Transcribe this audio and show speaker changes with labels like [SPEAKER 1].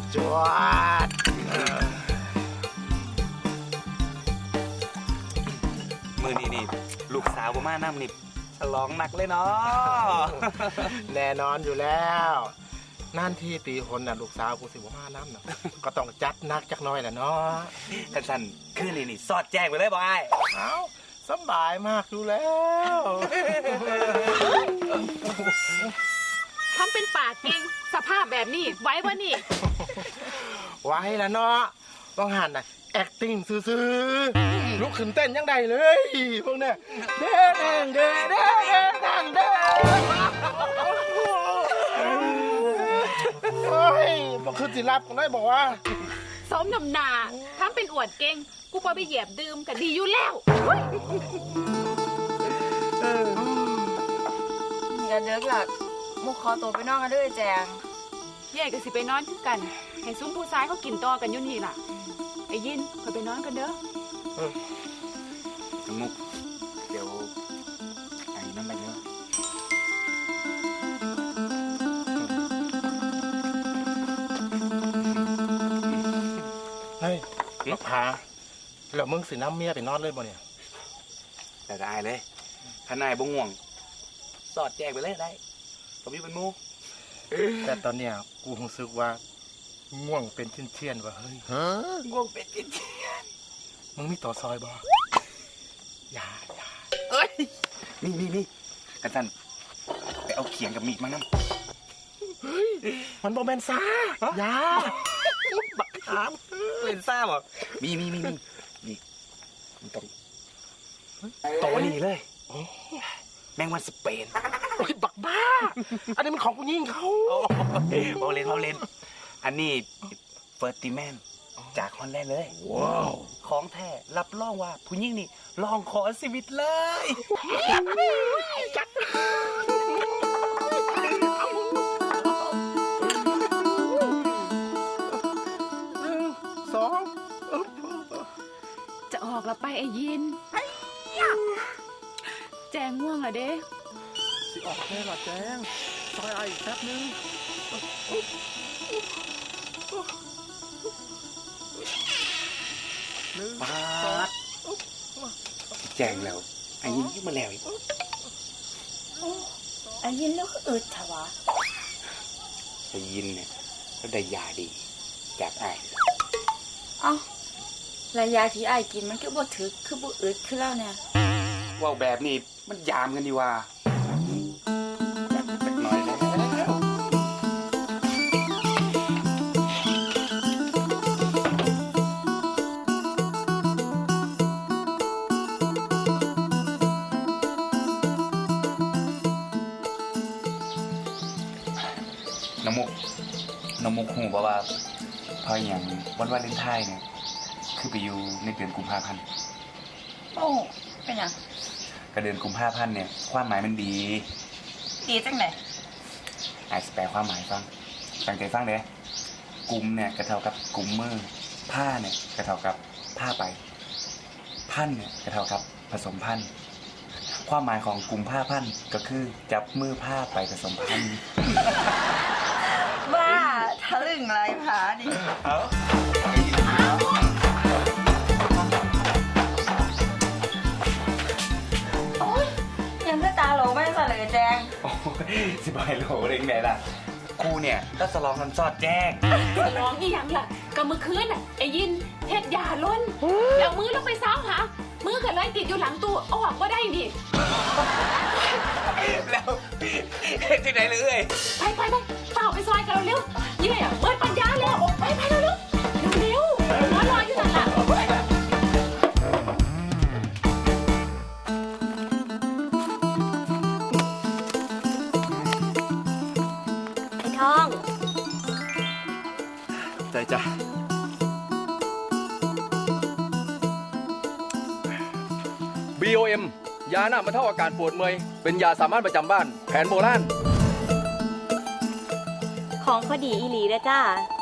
[SPEAKER 1] จวด
[SPEAKER 2] มือนี่ลูกสาวบ่มาน้ำนี่ฉลองหนักเลยเนาะ
[SPEAKER 1] แน่นอนอยู่แล้วนั่นที่ตีคนน่ะลูกสาวกูสิบ่มาน้ำน่ะก็ต้องจัดนักจักหน้อยแหละเนาะ
[SPEAKER 2] ท่านสันคืนนี่สอดแจ้งไปเลยบอย
[SPEAKER 1] เอ้าสบายมากอยู่แล้ว
[SPEAKER 3] ทำเป็นปากเก่งสภาพแบบนี้ไว้วะนี่
[SPEAKER 1] ไว้แล้วเนาะต้องหันน่ะ acting ซื่อๆลุกขึ้นเต้นยังไงเลยพวกเนี้ยเด้งเด้งเด้งเด้งเด้งโอ้ยบอกคือสิรับกันได้บอกว่า
[SPEAKER 3] สมนำหนาทำเป็นอวดเก่งกูพอไปเหยียบดื่มก็ดีอยู่แล้ว
[SPEAKER 4] อย่าเลิกหลักมุกคอตัวไปนอกกันด้วยแจง
[SPEAKER 3] แย่ก็สิไปนอนคือกันให้ซุ้มผู้ซ้ายเขากินต่อกันอยู่นี่ล่ะไอ้ยินคอยไปนอนกันเด้อ
[SPEAKER 2] มุกเดี๋ยวไอ้นั่นไปเยอะ
[SPEAKER 1] เฮ้ยมาพาแล้วมึงสิน้ำเมียไปนอนเลยบ่เนี่ย
[SPEAKER 2] แต่ได้เลยถ้านายบ่ง่วงสอดแจ้งไปเลยได้ผมอยู่เป็นหมู
[SPEAKER 1] แต่ตอนเนี้ยกูรู้สึกว่าง่วงเป็นเชี่ยนๆว่ะเฮ้ย
[SPEAKER 2] ง่วงเป็นจริง
[SPEAKER 1] มึงมีต่อซอยบ่อย่า
[SPEAKER 2] เอ้ยนี่ท่านสันไปเอาเขียงกับมีดมานั่ง
[SPEAKER 1] มันบ่แม่นซ่าอย่าบักขาม
[SPEAKER 2] เป็นซ่าบ่มีนี่มันต้องตัวนี้เลยแมงวันสเปน
[SPEAKER 1] โอ้ยบักบ้า อันนี้มันของกูยิงเขา
[SPEAKER 2] เมาเลนอันนี้เฟิร์สติแมนจากฮอลแลนด์เลยว้าวของแท้รับรองว่าผู้หญิงนี่ลองขอชีวิตเลยจัด
[SPEAKER 1] สอง
[SPEAKER 3] จะออกแล้วไปไอ้ยินแจงง่วงเหรอเด้
[SPEAKER 1] สิออกแค่ละแจ้งซอยไอ้อีกแป๊บนึง
[SPEAKER 2] ปาดแจงแล้วไอ้ยิงยิ่งมาแล้วอีก
[SPEAKER 4] ไอ้ยินแล้วก็อึดถวะ
[SPEAKER 2] ไอ้ยินเนี่ยก็ได้ยาดีจากไอ้
[SPEAKER 4] เอ้าระยะที่ไอ้กินมันก็บ่ถึกคือบ่อึดคือแล้วเนี่ย
[SPEAKER 2] ว่าแบบนี้มันยามกันดีว่าสักหน่อยแล้วน้ำมุกหูบอกว่าพออย่างวันวาเลนไทน์เนี่ยคือไปอยู่ในเดือนกุมภาพันธ์
[SPEAKER 4] โอ้เป็นหยัง
[SPEAKER 2] กระเดือนกุมภาพันธ์เนี่ยความหมายมันดี
[SPEAKER 4] ดีจังไหน
[SPEAKER 2] อาจจะแปลความหมายฟังตั้งใจฟังเลยกุมเนี่ยกระเท่ากับกุมมือผ้าเนี่ยกระเท่ากับผ้าไปพันเนี่ยกระเท่ากับผสมพันธุ์ความหมายของกุมผ้าพันธุ์ก็คือจับมือผ้าไปผสมพันธุ์
[SPEAKER 4] บ้าทะลึ่งไรผานี่
[SPEAKER 2] เอา
[SPEAKER 4] โอ๊ยยังก็ตาโหลไม่สั่นเลยแจง
[SPEAKER 2] โอ้ยสิบายโหลเองไงล่ะกูเนี่ยก็สลองกันซอดแจ้ง
[SPEAKER 3] ร้องอีหยังล่ะก็เมื่อคืนน่ะไอ้ยินเฮ็ดยาล้นแล้วมือลงไปซ้าวหามือก็เลยติดอยู่หลังตู้เอาออกก็ได้นี่
[SPEAKER 2] แล้วที่ไหนเลย
[SPEAKER 3] ไปเปล่าไปซอยกันเร็วๆยี่เปิดปัญญาแล้วไปเร็วๆเร็วๆรออยู่นั่นล่ะ
[SPEAKER 4] ไอ้ทอง
[SPEAKER 1] ใจจ้ะ
[SPEAKER 5] BOM ยาหน้าบรรเทาอาการปวดเมื่อยเป็นยาสามัญประจำบ้านแผนโบราณ
[SPEAKER 6] ของพอดีอีหลีเลยจ้า